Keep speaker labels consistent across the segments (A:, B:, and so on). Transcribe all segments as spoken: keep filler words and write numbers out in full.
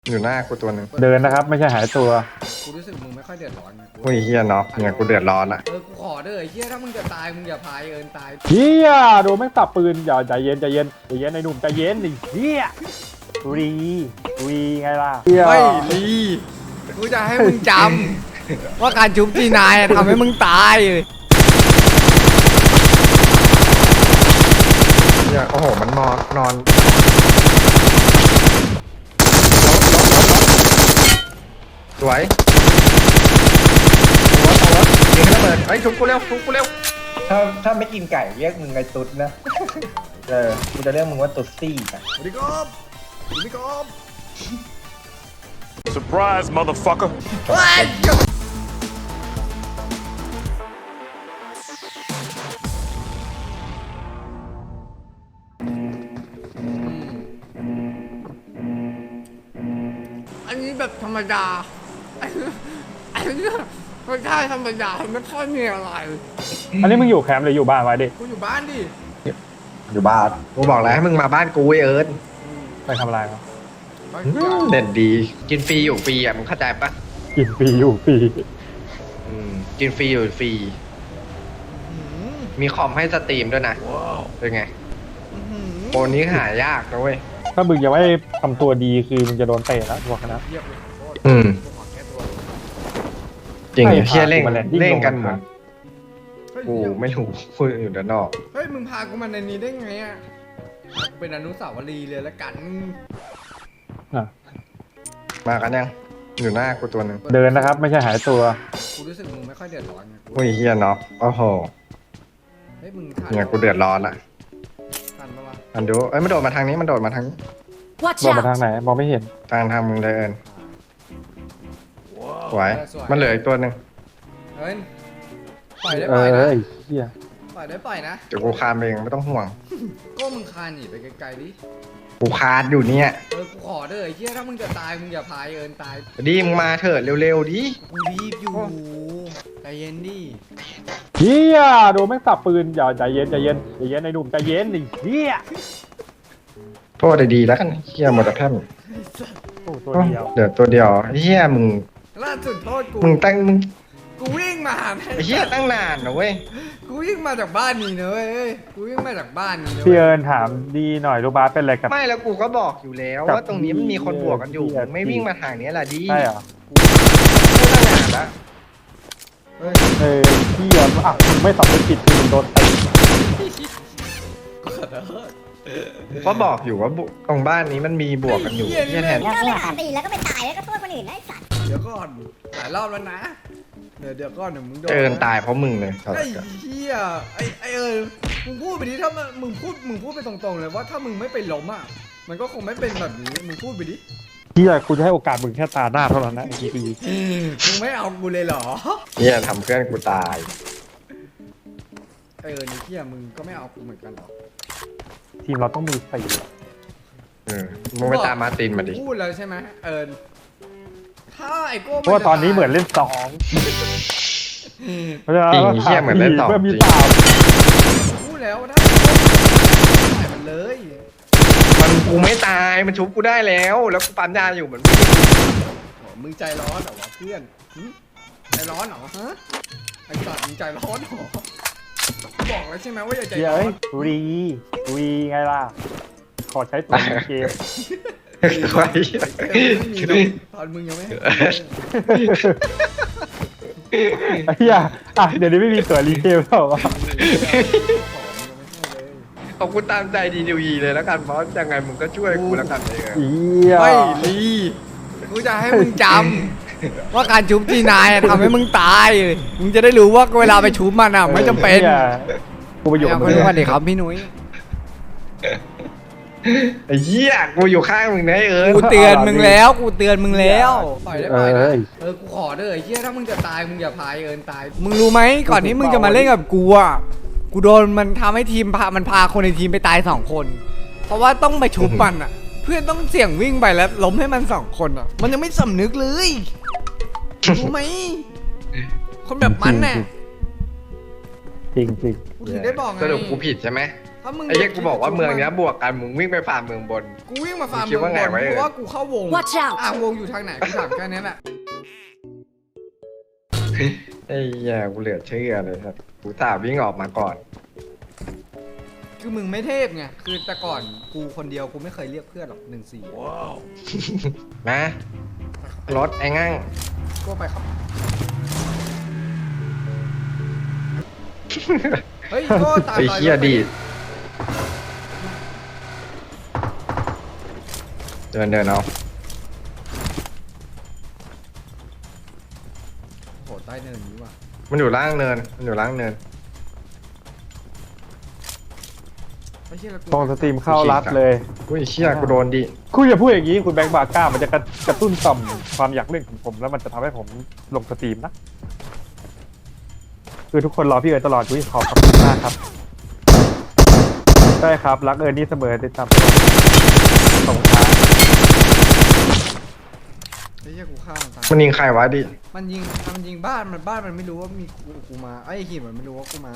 A: อยู่หน้ากูตัวหนึ่ง
B: เดินนะครับไม่ใช่หายตัว
C: กูรู้สึกมึงไม่ค่อยเดือดร้อนไงกู
A: โอ้ยเฮียน็อกเนี่ยกูเดือดร้อนละ
C: เออกูขอเด้อไอ้เฮียถ้ามึงจะตายมึงอย่าพายเอิญตาย
B: เฮียโดนแม่งตับปืนอย่าใจเย็นใจเย็นใจเย็นไอ้หนุ่มใจเย็นดิเฮียรีรีไงล่ะเฮีย
C: ไม่ลีกูจะให้มึงจำว่าการชุบทีนายทำให้มึงตายเลย
A: เฮียโอ้โหมันนอนนอนสวยตัวตัวยิงให้ระเบิดเฮ้ยชุบกูเร็วชุบกูเร็ว
D: ถ้าถ้าไม่กินไก่เรียกมึงไงตุ๊ดนะ เออกูจะเรียกมึงว่าตุ๊ดซี่นะ
C: สวัสดีครับสวัสดีครับ
E: Surprise, motherfucker.
C: เฮ้ยอันนี้แบบธรรมดาอันนี้อันนี้ไม่ใช่ธรรมดาไม่ค่อยมีอะไร
B: อันนี้มึงอยู่แคมป์หรืออยู่บ้านไว้ดิ
C: กูอยู่บ้านดิ
D: อยู่บ้าน
A: กูบอกแล้วให้มึงมาบ้านกูไอ้เอิร์ธ
B: ไปทำอะไรวะ
A: อืมเด่นดี กินฟรีอยู่ฟรีอ่ะมึงเข้าใจปะ
B: กินฟรีอยู่ฟรี
A: อืมกินฟรีอยู่ฟรีมีคอมให้สตรีมด้วยนะเป็นไงโปรนี้หายากนะเว้ย
B: ถ้ามึงยังไม่ทำตัวดีคือมึงจะโดนเตะแล้วบอกนะ
C: เยียบเลยโทษ
A: อืม
C: กูขอแก้ตัว
A: จริง
B: ใช่
A: เฮียเร่ง
B: พากูมาแลนดิ้ง
A: เร่งกัน
B: ลง
A: เหมื
B: มา
A: อน
C: เฮ้ย
A: กู
C: เดี๋ยว
A: ไม่รู้กูอยู่ด้านนอก
C: เฮ้ยมึงพากูมาในนี้ได้ไงอ่ะเป็นอนุสาวรีย์เลยละกัน
B: อ่ะ
A: มากันยังอยู่หน้ากูตัวหนึ่ง
B: เดินนะครับไม่ใช่หายตัว
C: กูรู้สึกมึงไม่ค่อยเดือดร้อนไงกู
A: โอ้ยเฮียน็อกโอ้โห
C: เฮ้ยมึงทัน
A: เนี่ยกูเดือดร้อนละ
C: ทันปะวะ
A: อันดูเอ้ยมันโดดมาทางนี้มันโดดมาทางนี้
F: Watch
B: โดนมา
F: out!
B: ทางไหนมองไม่เห็น
A: ทางทางมึงเลยเอิญสวย
C: เออสวย
A: มันเหลืออีกตัวหนึ่ง
C: เฮ้ยปล่อยได้
B: เอ
C: ปล่อย
B: อ
C: นะ
B: ไอ้เฮีย
C: ปล่อยได้ปล่อยนะ
A: เดี๋ยวกูคานไปเองไม่ต้องห่วง
C: ก็มึงคานหนีไปไกลๆดิ
A: กูคานอยู่เนี่ย
C: เออกูขอเด้อไอ้เหี้ยถ้ามึงจะตายมึงอย่าพายเอิญตาย
A: ดีมึงมาเถอะเร็วๆดิ
C: กูรีบอยู่ใจเย็นดิ
B: เฮียโดนแม่งตับปืนอย่าใจเย็นใจเย็นใจเย็นไอ้หนุ่มใจเย็นดิเฮีย
A: โทษดีๆแล้วกันเฮียหมดแล้วแค่
B: โอ้ตัวเดียว
A: เดี๋ยวตัวเดียวเฮียมึง
C: ล่าสุดโทษกู
A: มึงตั้งมึง
C: กูวิ่งมาหาแม่
A: ไอ้เฮียตั้งนานนะเว้ย
C: กูวิ่งมาจากบ้านนี่นะเว้ยเอ้ยกูวิ่งมาจากบ้านนี่นะ
B: พี่
C: เว้ย
B: เอิญถามดีหน่อยลูกบาสเป็นอะไรกับ
A: ไม่แล้วกูก็บอกอยู่แล้ว
B: กับ
A: ว่าตรงนี้มันมีคนบวกกันอยู่
B: เหี้ย
A: มึงไม่วิ่งมาทางนี้แหละดี
B: ใช่เหรอ
A: ตั้งนานแล้ว
C: เฮ้ย
B: เออพี่อ่ะอ่ะมึงไม่สำนึกผิดคือมึงโดนเตะ
C: ขอโทษ
A: ก็บอกอยู่ว่าบุตรงบ้านนี้มันมีบวกกันอยู่
C: เหี้ย
A: เฮียแทน
F: แล้วไม่หาตีแล้วก็ไปตายแล้วก็โทษคนอื่นได้สัตว์
C: เดี๋ยวก่อนหลายรอบแล้วนะเดี๋ยวเดี๋ยวก่อนเดี๋ยวมึงโดน
A: เอินตายเพราะมึงเลย
C: ไอ้เหี้ยไอ้ไอ้เอิญมึงพูดไปดิถ้ามันมึงพูดมึงพูดไปตรงๆเลยว่าถ้ามึงไม่ไปล้มอ่ะมันก็คงไม่เป็นแบบนี้มึงพูดไปดิ
B: พี่อ่ะกูจะให้โอกาสมึงแค่ตาหน้าเท่านั้นนะไอ้ที
C: มึงไม่เอากูเลยเหรอ
A: เฮียทำเพื่อนกูตาย
C: ไอ้เอิญไอ้เหี้ยมึงก็ไม่เอากูเหมือนกันเหรอ
B: ทีมเราต้องมีสี่
A: เออมึงไปตามมาร์ตินมาดิ
C: พูดแล้วใช่ไหมเอิญถ้าไอ้โก้
B: เพราะว่าตอนนี้เหมือนเล่นสองเพราะฉะนั้น
A: จริงเฮียเหมือนเล่นต่อ
B: เพื่อ
A: จ
B: มี
A: ริง
B: สาม
C: พูดแล้วถ้าไอ้โก้ใส่มันเลย
A: มันกูไม่ตายมันชุบกูได้แล้ว แล้วกูปั๊มยาอยู่เหมือน
C: โอ้มึงใจร้อนเหรอวะเพื่อนหึใจร้อนเหรอฮะไอ้สัตว์มึงใจร้อนเหรอบอกแล้วใช่ไหมว่าอย่าใจ
B: เฮีย
C: ร้อ
B: เอ้ย
C: น
B: รีรีไงล่ะ ขอใช้ตัวในเกม
A: ใคร
C: เออไม่มีหรอกตอนมึงยังไม่ให้กูเลย
B: ไอ้เฮียอ่ะเดี๋ยวนี้ไม่มีตัวรีเกมแล้วเหรอ
A: ขอบคุณตามใจดีดีวีเลยแล้วกันเพราะยังไงมึงก็ช่วยกูแล้วกันเลย
B: เฮีย
C: ไม่ลีกูจะให้มึงจำว่าการชุบทีนายทำให้มึงตายมึงจะได้รู้ว่าเวลาไปชุบมันอ่ะไม่จำเป็น
B: หี้ยกูไปอยู่กับมึ
C: ไม่
B: ง
C: รู้ว่าเด็กครับพี่นุ้ย
A: ไอ้เหี้ยกูอยู่ข้างมึงนะไอ้เอิญ
C: กูเตือนมึงแล้วกูเตือนมึงแล้วปล่อยได้ปล่อยนะ
B: เอ้ย
C: เออกูขอเด้อไอ้เหี้ยถ้ามึงจะตายมึงอย่าพายเอิญตายมึงรู้ไหมก่อนที่มึงจะมาเล่นกับกูอ่ะกูโดนมันทำให้ทีมพามันพาคนในทีมไปตายสองคน เพราะว่าต้องไปชุบมันอ่ะ เพื่อนต้องเสี่ยงวิ่งไปแล้วล้มให้มันสองคนอ่ะ มันยังไม่สำนึกเลยรู้ไหมคนแบบมันน่ะ
B: จริงจริง
C: กูถึงได้บอกไง
A: สรุปกูผิดใช่ไหม
C: ถ้ามึง
A: ไอ้เหี้ยกูบอกว่าเมืองเนี้ยบวกกันมึงวิ่งไปฟาร์มเมืองบน
C: กูวิ่งมาฟาร์ม
A: มึงคิดว่าไง
C: เมืองบน
A: วะ
C: เพราะว่ากูเข้าวง
F: Watch out
C: อ่ะวงอยู่ทางไหนกูถามแค่นี้แหละ
A: ไอ้เหี้ยกูเหลือเชื่อเลยครับกูตาวิ่งออกมาก่อน
C: คือมึงไม่เทพไงคือแต่ก่อนกูคนเดียวกูไม่เคยเรียกเพื่อนหรอกหนึ่งสี่ว้าว
A: นะรถไอ้งั่ง
C: ก็ไปครับเฮ้ยก็ตาม
A: ไอ้
C: รอย
A: เหี้ย
C: รถไป
A: ดีดเดินเดินเอา
C: โหใต้เนินนี้ว่ะ
A: มันอยู่ล่างเนินมันอยู่ล่างเนิน
C: ไม่ใช่ละกู
B: ตรงสตรีมเข้ารัดเลย
A: อุ้ยเชี่ยกูโดนดิ
B: คุณอย่าพูดอย่างนี้คุณแบงค์บาก้ามันจะกระกระตุ้นต่อมความอยากเล่นของผมแล้วมันจะทำให้ผมลงสตรีมนะคือทุกคนรอพี่เอิญตลอดอุ้ยขอบคุณมากครับใช่ครับรักเอิญนี่เสมอติดตามตลอดขอบคุณครับ
C: ไม่ใช่กูฆ่ามันตาย
A: มันยิงใครวะดิ
C: มันยิงมันยิงบ้านมันบ้านมันไม่รู้ว่ามีกูกูมาไอ้หินมันไม่รู้ว่ากูมา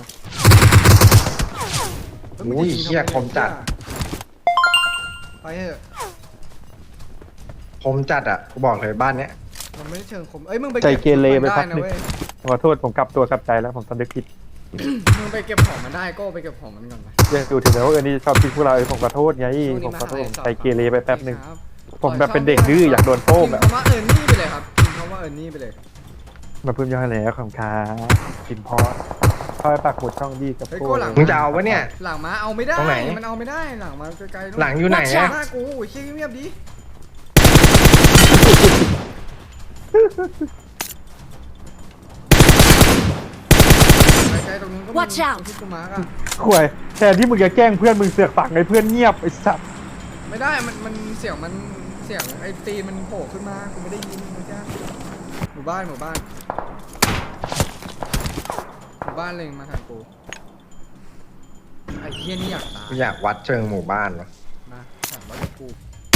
C: แล้วมึง
A: อุ้ย
C: จะง
A: เชี่ย
C: ทำไ
A: คมจัด
C: ไปเถอะ
A: คมจัดอ่ะกูบอกเลยบ้านเนี้ย
C: มันไม่ได้เชิงคมเอ้ยมึงไป
B: ใจ
C: ก็บ
B: เกเรไป
C: ได้
B: พัก
C: นะ
B: หนึ่ง
C: เว้ย
B: ขอโทษผมกลับตัวกลับใจแล้วผมสำนึกผิด
C: มึงไปเก็บของมันได้ก็ไปเก็บของมันก่อนไป
B: ยังดูถึงแม้ว่าเอิญนี่ชอบทิ้งพวกเราเออผมขอโทษไงผมขอโทษผมใจเกเรไปแป๊บหนึ่ง
C: ครับ
B: ผมแบบเป็นเด็กดื้ออยากโดนโป้ง
C: พิม
B: อะ
C: พ์คำว่าเอิร์นี่ไปเลยครับพิมพ์คำว่าเอิร์นี่ไปเลย
B: มาเพิ่มย่อยแล้วของค้ากินพอเข้าไปปากหมุดช่องดีกับ
C: เฮ้ย
B: พว
C: โก้
B: ก
C: หลัง
A: มึงจะเอาวะเนี่ย
C: หลังมาเอาไม่ได้
A: ตรงไหน
C: มันเอาไม่ได้หลังมาไกลๆนู่น
A: หลังอยู่ไหนอะ
C: หน้ากูโอ้ยเชี่ยเงียบๆดิไกลๆตรงนู้นก็มี
F: Watch out
C: ที่กูมาร์กอะ
B: ข่วยแทนที่มึงจะแกล้งเพื่อนมึงเสือกฝังไอ้เพื่อนเงียบไอ้สัตว์
C: ไม่ได้มันมันเสียงมันเสียงไอ้ตีนมันโผล่ขึ้นมากูไม่ได้ยินเมื่อกี้หมู่บ้านหมู่บ้านหมู่บ้านเล็งมาทางกูไอ้เหี้ยนี่อยากตาย
A: กูอยากวัดเชิงหมู่บ้านวะ
C: มาถามว่าจะกู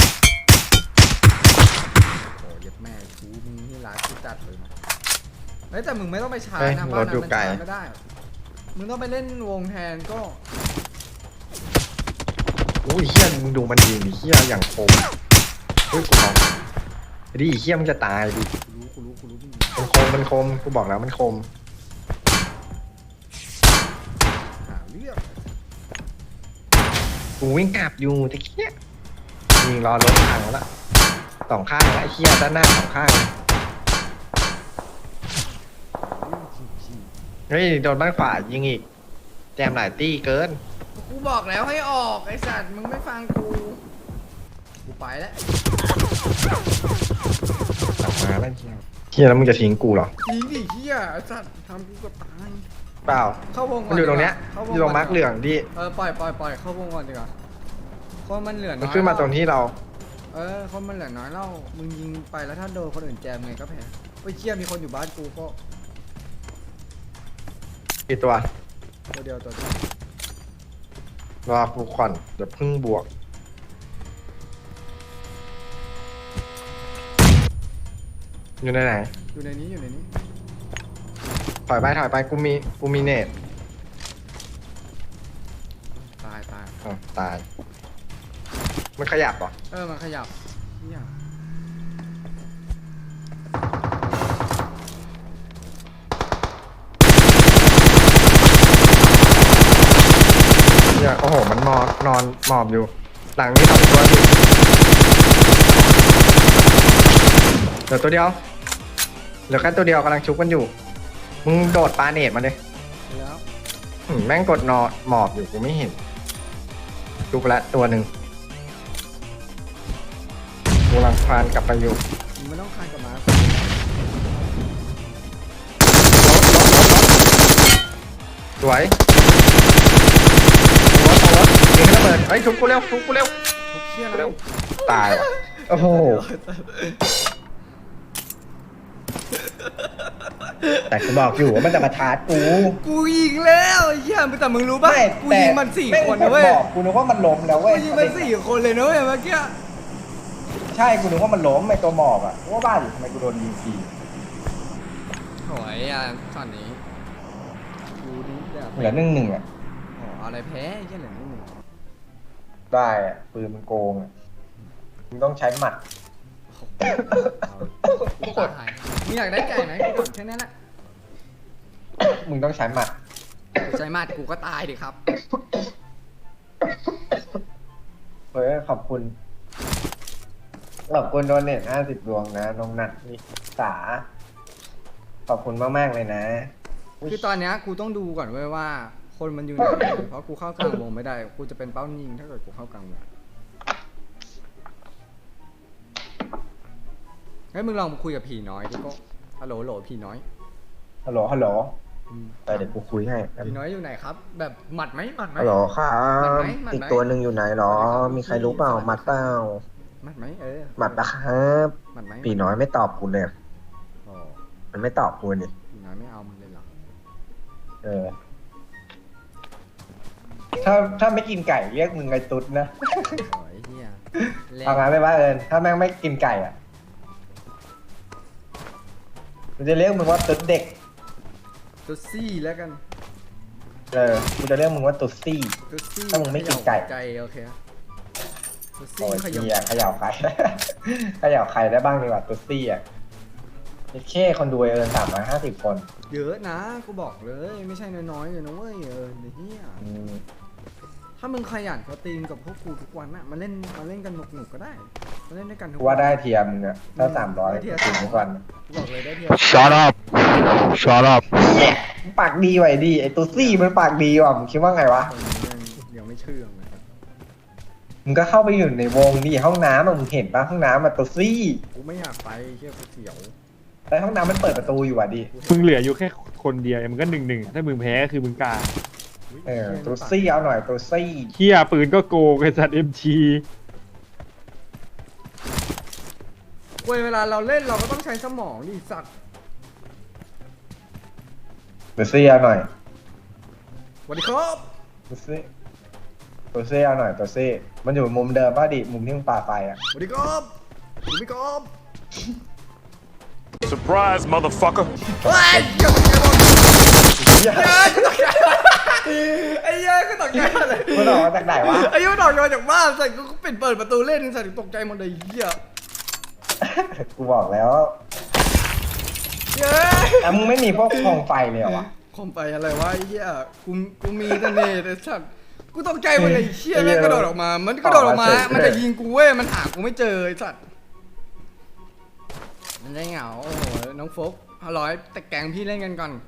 C: โอ้ยยัดแม่กูมึงนี่ร้ายกูจัดเลยนะเฮ้ยแต่มึงไม่ต้องไปชาร์จนะบ้านนั้นมันชาร์จไม่ได้มึงต้องไปเล่นวงแทนก็
A: อุ้ยเชี่ยมึงดูมันยิงดิเชี่ยอย่างคมอุ้ยกูมองไอ้ดิเชี่ยมึงจะตายดิ
C: กูรู้กูรู้กูรู้มึง
A: มันคมมันคมกูบอกแล้วมันคม
C: หาเรื่อง
A: กูวิ่งกลับอยู่ตะเคียยิงรอรถทางแล้วละสองข้างแล้วไอ้เชี่ยด้านหน้าสองข้างเฮ้ยโดนบ้านขวายิงอีกแจมหลายตี้เกิน
C: กูบอกแล้วให้ออกไอ้สัตว์มึงไม่ฟังกูกูไปแล้ว
A: กลับมาแล้วเชี่ยเชี่ยแล้วมึงจะทิ้งกูเหรอ
C: จริงดิเฮียไอ้สัตว์ทำกูเกับตาย
A: เปล่า
C: เข้าวงก่อน
A: มันอยู่ตรงเนี้ย
C: เข้าว
A: อยู่ตรงมาร์กเหลืองดิ
C: เออปล่อยปล่อยปล่อยเข้าวงก่อนดีกว่าเพราะมันเหลือน้
A: มั
C: อน ย
A: ขึ้นมาตรงที่เรา
C: เออคนมันเหลือน้อยเล่ามึงยิงไปแล้วถ้าโดนคนอื่นแจมไงก็แพ้ไปเชี่ยมีคนอยู่บ้านกูก็
A: กี่ตัว
C: ตัวเดียวตัวเดียว
A: รอกูก่อนเดี๋ยวพึ่งบวก อยู่ในไหน
C: อยู่ในนี้อยู่ในนี้
A: ถอยไปถอยไปกูมีกูมีเนต
C: ตายตาย
A: อ๋อตาย มันขยับเหรอ
C: เออมันขยับเนี่ย
A: เนี่ยโอ้โหมันนอนนอนหมอบอยู่ หลังนี้สองตัวดิเหลือตัวเดียวเหลือแค่ตัวเดียวกำลังชุบกันอยู่ มึงโดดปาเนตมาเลย
C: แล้ว
A: อืมแม่งกดนอนหมอบอยู่กูไม่เห็นชุบละตัวหนึ่งกูกำลังคลานกลับไปอยู่
C: มึงไม่ต้องคานกับมา
A: สวยรถรถยิงให้ระเบิดเฮ้ยชุบกูเร็วชุบกูเร็ว
C: ทุกเชี่ย
A: เร็
C: แล้ว ว
A: ตายว่ะโอ้โหแต่กูบอกอยู่ว่ามันจะมาชาร์จกู
C: กูยิงแล้วไอ้เหี้ยแต่มึงรู้ป่ะ
D: ไม่
C: กู
D: แต่
C: ยิงมันสี่
D: แม่ง
C: คนนะเว้ย
D: บอกกูนึกว่ามันล้มแล้ว
C: กู
D: เว้ย
C: ยิงมันสี่คนเลยนะเว้ยเมื่อกี้
D: ใช่กูนึกว่ามันล้มไอตัวหมอบอ่ะกูว่าบ้าอยู่ทำไมกูโดนยิงฟรี
C: โอ้ยอ่ะตอนนี้กูนี่แบบ
D: เหลือหนึ่งหนึ่งอ่ะ
C: โอ้อะไรแพ้ไอ้เหี้ยเหลือนิดหนึ่ง
D: ได้อะปืนมันโกงอะมึงต้องใช้หมัด
C: ตายมึงอยากได้ไก่ไหมกูกดแค่นั้นแหละ
D: มึงต้องใช้หมัด
C: กูใจมากกูก็ตายดิครับ
D: เฮ้ยขอบคุณขอบคุณโดนเน็ตห้าสิบดวงนะน้องนัทนิสาขอบคุณมากๆเลยนะ
C: คือตอนเนี้ยกูต้องดูก่อนเว้ยว่า คนมันอยู่ไหนเพราะกูเข้ากลางวงไม่ได้กูจะเป็นเป้ายิงถ้าเกิดกูเข้ากลางวงเฮ้ยมึงลองคุยกับผีน้อยดิก็ฮัลโหลฮัลโหลผีน้อย
D: ฮัลโหลฮัลโหล
C: อืม
D: ไปเดี๋ยวกูคุยให้
C: ผีน้อยอยู่ไหนครับ แบบหมัดไหมหมัดไหม
D: ฮัลโหลครั
C: หมัด
D: บ
C: ไหมหมัดไหม
D: อีกตัวหนึ่งอยู่ไหนหรอ มีใครรู้เปล่าหมัดเปล่า
C: หมัดไหมเออ
D: หมัดปะครับ
C: หมัดไหม
D: ปีน้อยไม่ตอบกูเลย
C: โอ้
D: มันไม่ตอบกูนี่
C: ผีน้อยไม่เอามึงเลยเหรอ
D: เออ ถ้าถ้าไม่กินไก่เรียกมึงไงตุ๊ดนะ
C: โอ้ยเฮียแรง
D: เอางั้นไม่ว่าเอิญถ้าแม่งไม่กินไก่อ่ะมันจะเรียกมึงว่าตุ๊ดเด็ก
C: ตัวซี่แล้วกัน
D: เออกูจะเรียกมึงว่าตุ๊ดซี่
C: ตัวซี่
D: ถ้ามึงไม่กินไก่
C: ใจโอเคตัวซี่
D: โอ้ย
C: ขยับ
D: เฮียเขย่าใคร เขย่าใครได้บ้างดีกว่าตุ๊ดซี่อ่ะแค่คนดูเอิญสามร้อยห้าสิบคน
C: เยอะนะกูบอกเลยไม่ใช่น้อยๆเลยนะเว้ยเออเฮีย
D: อืม
C: ถ้ามึงขยันสตรีมกับพวกกูทุกวันอะมาเล่นมาเล่นกันหนุกๆก็ได้มาเล่นด้วยกันทุก
D: กู
C: วั
D: ว่าได้เทียมมึงอ่ะถ้าสามร้อย
C: ได้เทียร์
D: ถึงทุกวัน
C: กูบอกเลยได้เทีย
E: Shut up. Shut up.
D: มึงปากดีไว้ดีไอ้ตุ๊ดซี่มันปากดีว่ะมึงคิดว่าไงวะ
C: คนยังยังไม่เชื่องเลยครับ
D: มึงก็เข้าไปอยู่ในวงดิห้องน้ำอะมึงเห็นปะห้องน้ำอะตุ๊ดซี่
C: กูไม่อยากไปเชี่ยกูเสียว
D: แต่ห้องน้ำมันเปิดประตูอยู่อ่ะดิ
B: มึงเหลืออยู่แค่คนเดียวมึงก็หนึ่งหนึ่งถ้ามึงแพ้ก็คือมึงกา
D: เออตุ๊ดซี่เอาหน่อยตุ๊ดซี่
B: เฮียปืนก็โกงไอ้สัตว์เอ็มจี
C: เว้ยเวลาเราเล่นเราก็ต้องใช้สมองดิสัตว์
D: ตุ๊ดซี่เอาหน่อย
C: สวัสดีครับ
D: ตุ๊ดซี่ตุ๊ดซี่เอาหน่อยตุ๊ดซี่มันอยู่มุมเดิมป่ะดิมุมที่มึงปาไฟอ่ะ
C: สวัสดีครับสวัสดีครับ
E: Surprise, motherfucker.
C: เฮ้ยเกี่ยวกับไงบ้าง
D: เหี้ย
C: ไอ้เหี้ยกูตกใจเลย
D: มันออกมาจากไหนวะ
C: ไอ้เหี้ยมันออกมาจากบ้านใส่กูปิดเปิดประตูเล่นใส่ตกใจหมดเลยเหี้ย
D: กูบอกแล้ว
C: เย้
D: อ่ะมึงไม่มีพวกโคมไฟเลยเหรอวะ
C: คอมไปอะไรวะไอ้เหี้ยกูกูมีแต่เนตไอ้สัตว์กูตกใจหมดเลยไอ้เหี้ยแม่งกระโดดออกมา มันกระโดดออกมา มันจะยิงกูเว้ยมันหากูไม่เจอไอ้สัตว์มันได้เหงาโอ้โหน้องโฟกห้าร้อยแต่แกงพี่เล่นกันก่อน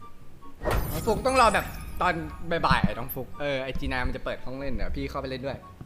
C: น้องโฟกต้องรอแบบตอนบ่ายๆน้องโฟกเออไอจีนามันจะเปิดห้องเล่นเดี๋ยวพี่เข้าไปเล่นด้วย